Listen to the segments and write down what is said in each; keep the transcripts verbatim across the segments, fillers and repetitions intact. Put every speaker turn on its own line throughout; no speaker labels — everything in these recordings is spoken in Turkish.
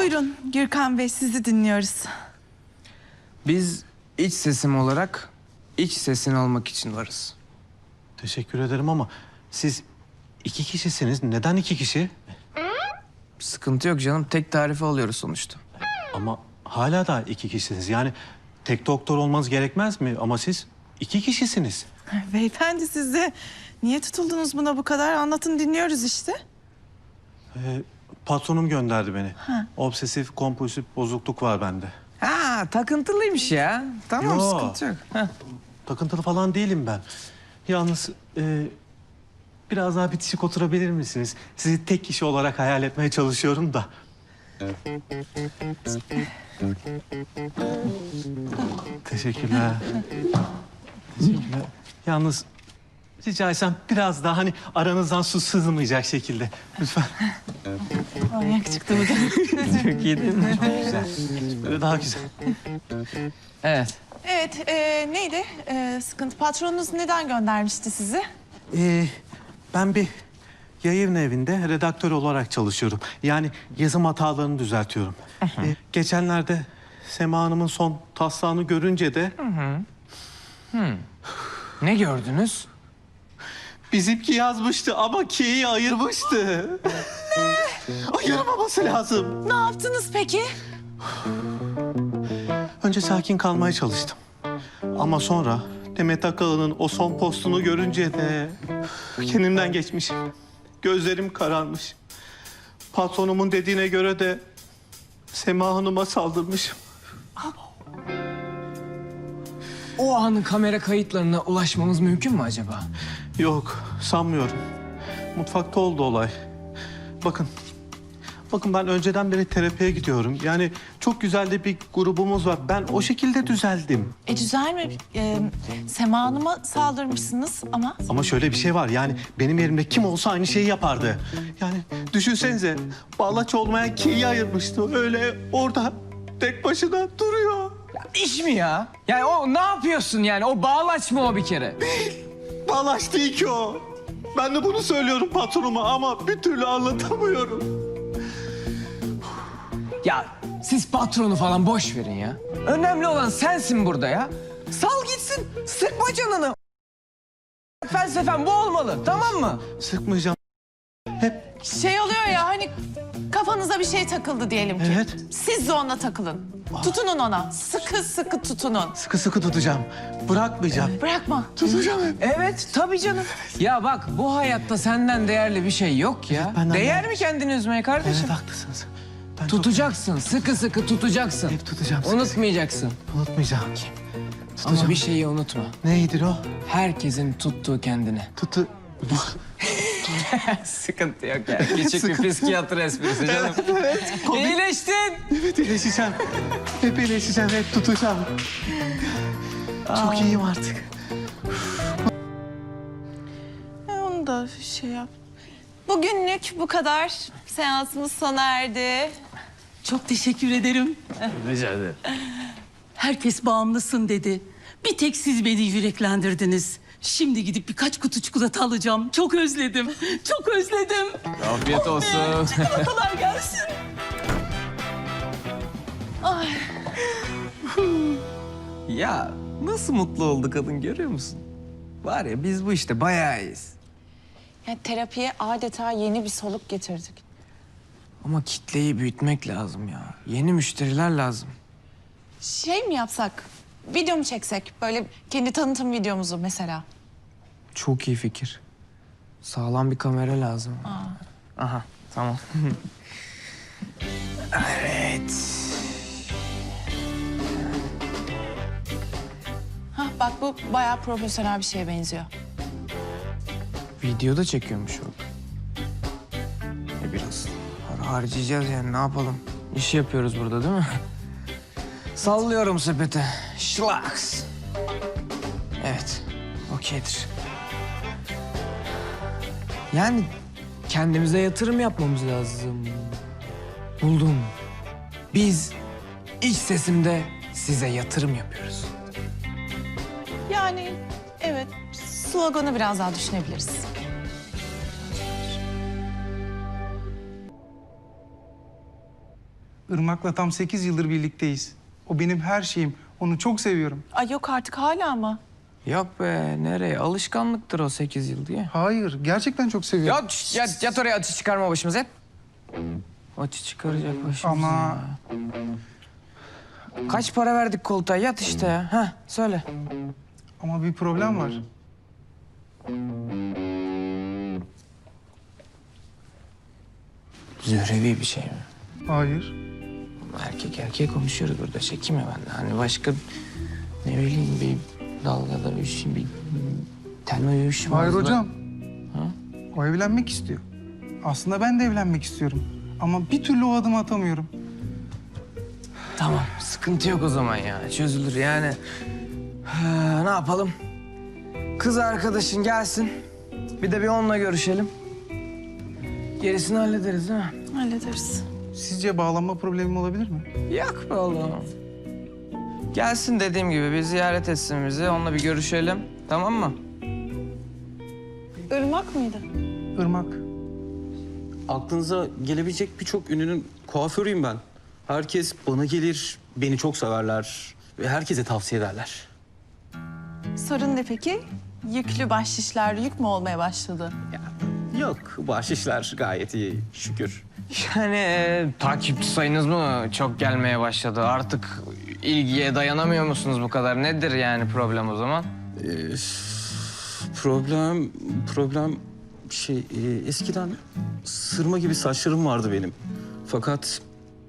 Buyurun Gürkan Bey, sizi dinliyoruz.
Biz iç sesim olarak iç sesin olmak için varız.
Teşekkür ederim ama siz iki kişisiniz. Neden iki kişi?
Sıkıntı yok canım. Tek tarifi alıyoruz sonuçta.
Ama hala da iki kişisiniz. Yani tek doktor olmanız gerekmez mi? Ama siz iki kişisiniz.
Beyefendi, siz de niye tutuldunuz buna bu kadar? Anlatın, dinliyoruz işte.
Ee, patronum gönderdi beni. Obsesif kompulsif bozukluk var bende.
Ha, takıntılıymış ya. Tamam,
Yo.
sıkıntı yok. Heh.
Takıntılı falan değilim ben. Yalnız e, biraz daha bitişik oturabilir misiniz? Sizi tek kişi olarak hayal etmeye çalışıyorum da. Teşekkürler. Teşekkürler. Yalnız rica etsem biraz daha hani aranızdan su sızmayacak şekilde. Lütfen.
Manyak çıktı bu da.
Çok iyi değil mi?
Güzel. Böyle daha güzel.
Evet.
Evet, e, neydi e, sıkıntı? Patronunuz neden göndermişti sizi?
Ee, ben bir yayın evinde redaktör olarak çalışıyorum. Yani yazım hatalarını düzeltiyorum. Ee, geçenlerde Sema Hanım'ın son taslağını görünce de
Ne gördünüz?
bizimki yazmıştı ama K'yi ayırmıştı. Ne? Ayırmaması lazım.
Ne yaptınız peki?
Önce sakin kalmaya çalıştım. Ama sonra Demet Akalın'ın o son postunu görünce de kendimden geçmişim. Gözlerim kararmış. Patronumun dediğine göre de Sema Hanım'a saldırmışım.
O anın kamera kayıtlarına ulaşmamız mümkün mü acaba?
Yok, sanmıyorum. Mutfakta oldu olay. Bakın, bakın ben önceden beri terapiye gidiyorum. Yani çok güzel de bir grubumuz var. Ben o şekilde düzeldim.
E güzel mi? E, Sema Hanım'a saldırmışsınız ama...
Ama şöyle bir şey var. Yani benim yerimde kim olsa aynı şeyi yapardı. Yani düşünsenize, bağlaç olmayan K'yi ayırmıştı. Öyle orada tek başına duruyor.
İş mi ya? Yani o ne yapıyorsun yani? O bağlaç mı o bir kere?
Bağlaç değil ki o. Ben de bunu söylüyorum patronuma ama bir türlü anlatamıyorum.
Ya siz patronu falan boş verin ya. Önemli olan sensin burada ya. Sal gitsin. Sıkma canını. Felsefen bu olmalı, tamam mı?
Sıkmayacağım. Hep
Şey oluyor ya, hani kafanıza bir şey takıldı diyelim ki.
Evet.
Siz de ona takılın. Tutunun ona. Sıkı sıkı tutunun.
sıkı sıkı tutacağım. Bırakmayacağım.
Bırakma.
Tutacağım hep.
Evet, tabii canım. Ya bak, bu hayatta senden değerli bir şey yok ya.
benden
Değer
değerli.
mi kendini üzmeye kardeşim?
Evet haklısınız. Ben
Tutacaksın, sıkı sıkı tutacaksın.
Hep tutacağım, sıkı
Unutmayacaksın.
çok unutmayacağım. Tutacağım.
Ama bir şeyi unutma.
Neydir o?
Herkesin tuttuğu kendine.
Tutu...
Sıkıntı yok ya. Küçük bir psikiyatr esprisi canım. İyileştin.
Evet iyileşeceğim. Hep iyileşeceğim, hep tutacağım. Çok iyiyim artık.
E, onu da şey yap. Bugünlük bu kadar. Seansımız sona erdi.
Çok teşekkür ederim.
Rica ederim.
Herkes bağımlısın dedi. Bir tek siz beni yüreklendirdiniz. Şimdi gidip birkaç kutu çikolata alacağım. Çok özledim. Çok özledim.
Afiyet olsun.
Çikolatalar gelsin.
Ya nasıl mutlu oldu kadın, görüyor musun? Var ya, biz bu işte bayağı iyiyiz.
Ya, terapiye adeta yeni bir soluk getirdik.
Ama kitleyi büyütmek lazım ya. Yeni müşteriler lazım.
Şey mi yapsak? Video mu çeksek? Böyle kendi tanıtım videomuzu mesela.
Çok iyi fikir. Sağlam bir kamera lazım. Aha, tamam. Evet.
Hah, bak bu bayağı profesyonel bir şeye benziyor.
Videoda çekiyormuş o. E biraz para harcayacağız yani, ne yapalım? İş yapıyoruz burada değil mi? Sallıyorum sepete. Şlaks. Evet, okeydir. Yani kendimize yatırım yapmamız lazım. Buldum. Biz iç sesimde size yatırım yapıyoruz.
Yani evet, sloganı biraz daha düşünebiliriz.
Irmak'la tam sekiz yıldır birlikteyiz. O benim her şeyim. Onu çok seviyorum.
Ay yok artık hala mı?
Yok be, nereye? Alışkanlıktır o sekiz yıl diye.
Hayır, gerçekten çok seviyorum.
Ya şş, yat, yat oraya, açı çıkarma başımıza. Yat. Açı çıkaracak başımıza.
Ama
ya. Kaç para verdik koltuğa? Yat işte ya. Heh, söyle.
ama bir problem var.
Zührevi bir şey mi?
Hayır.
Erkek erkeğe konuşuyoruz burada. Çekinme benden. Hani başka ne bileyim bir dalgada bir şey, bir ten uyuşmaz.
Hayır
da-
hocam.
Ha?
O evlenmek istiyor. Aslında ben de evlenmek istiyorum. Ama bir türlü o adımı atamıyorum.
Tamam, sıkıntı yok o zaman ya. Çözülür yani. Ha, ne yapalım? Kız arkadaşın gelsin. Bir de bir onunla görüşelim. Gerisini hallederiz değil mi?
Hallederiz.
Sizce bağlanma problemim olabilir mi?
Yok be oğlum. Gelsin dediğim gibi bir ziyaret etsin bizi. Onunla bir görüşelim. Tamam mı?
Irmak mıydı?
Irmak.
Aklınıza gelebilecek birçok ünlünün kuaförüyüm ben. Herkes bana gelir, beni çok severler ve herkese tavsiye ederler.
Sorun ne peki? Yüklü bahşişler yük mü olmaya başladı?
Yok, bahşişler gayet iyi şükür.
Yani e, takipçi sayınız mı çok gelmeye başladı? Artık ilgiye dayanamıyor musunuz bu kadar? Nedir yani problem o zaman?
Ee, problem, problem şey e, eskiden sırma gibi saçlarım vardı benim. Fakat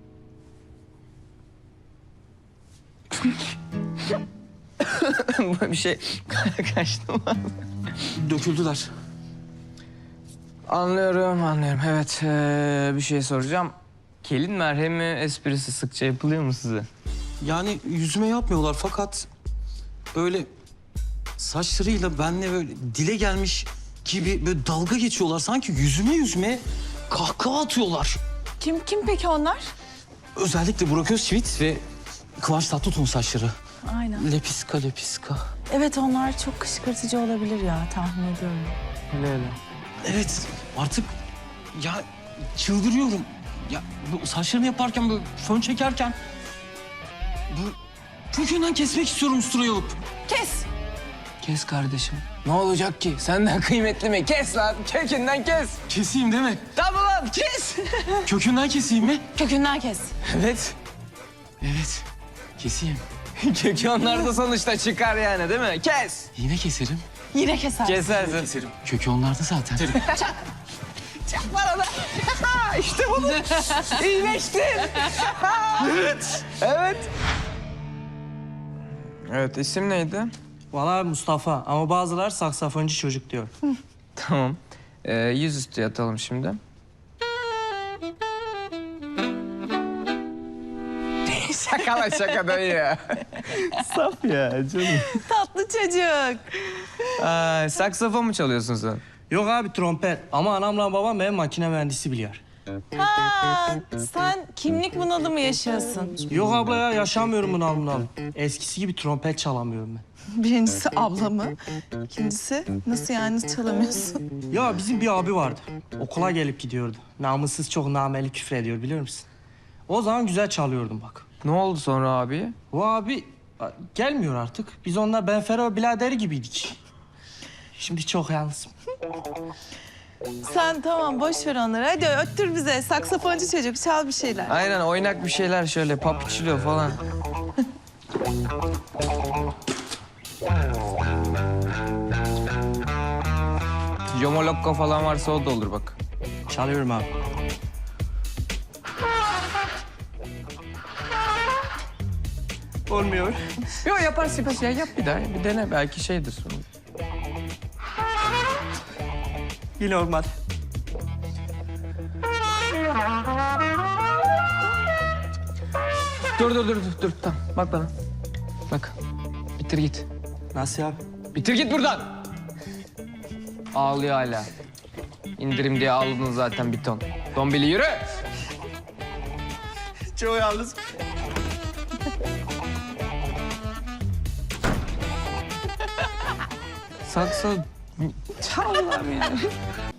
bir şey kaçtı mı?
döküldüler.
Anlıyorum, anlıyorum. Evet, ee, bir şey soracağım. Kelin merhemi esprisi sıkça yapılıyor mu size?
Yani yüzüme yapmıyorlar fakat öyle saçlarıyla benle böyle dile gelmiş gibi böyle dalga geçiyorlar. Sanki yüzüme yüzüme kahkaha atıyorlar.
Kim kim peki onlar?
Özellikle Burak Özçivit ve Kıvanç Tatlıtuğ'un saçları.
Aynen.
Lepiska lepiska.
Evet onlar çok kışkırtıcı olabilir ya tahmin ediyorum.
Öyle öyle.
Evet artık ya çıldırıyorum. Ya bu saçlarını yaparken böyle fön çekerken bu kökünden kesmek istiyorum usturayı alıp.
Kes!
Kes kardeşim. Ne olacak ki? Senden kıymetli mi? Kes lan, kökünden kes.
Keseyim değil mi?
Tamam lan, kes.
Kökünden keseyim mi?
Kökünden kes.
Evet.
Evet keseyim.
Kökü onlarda sonuçta çıkar yani değil mi? Kes.
Yine keserim.
Yine keser.
Kesersin.
Keserim. Kökü onlarda zaten.
Bana da. işte bunu. İyileştin. evet. Evet. Evet, isim neydi?
Valla Mustafa ama bazılar saksafoncu çocuk diyor.
Tamam. Ee, yüzüstü yatalım şimdi. şaka lan şaka dayı ya.
Saf ya canım.
Tatlı çocuk.
Aa, saksafon mu çalıyorsun sen?
Yok abi trompet ama anamla babam benim makine mühendisi biliyor.
Ha, sen kimlik bunalımı yaşıyorsun.
Yok abla ya yaşamıyorum bunalımdan. Eskisi gibi trompet çalamıyorum ben.
Birincisi ablamı. İkincisi nasıl yani nasıl çalamıyorsun?
Ya bizim bir abi vardı. Okula gelip gidiyordu. Namussuz çok nameli küfür ediyor biliyor musun? O zaman güzel çalıyordum bak.
Ne oldu sonra abi?
O abi a, gelmiyor artık. Biz onunla Benfero biraderi gibiydik. Şimdi çok yalnızım.
Sen tamam boş ver onları. Hadi öttür bize. Saksafoncu çocuk çal bir şeyler.
Aynen oynak bir şeyler şöyle papiçilo falan. Yomolokko falan varsa o da olur bak.
Çalıyorum abi. Olmuyor.
Yok yaparsın yaparsın ya yap bir daha bir dene belki şeydir.
Yine olmadı.
Dur dur dur dur dur tamam bak bana. Bak bitir git.
Nasıl abi?
Bitir git buradan. Ağlıyor hala. İndirim diye ağladın zaten bir ton. Dombili yürü.
Çok yalnız.
Sakso... Çal lan ya.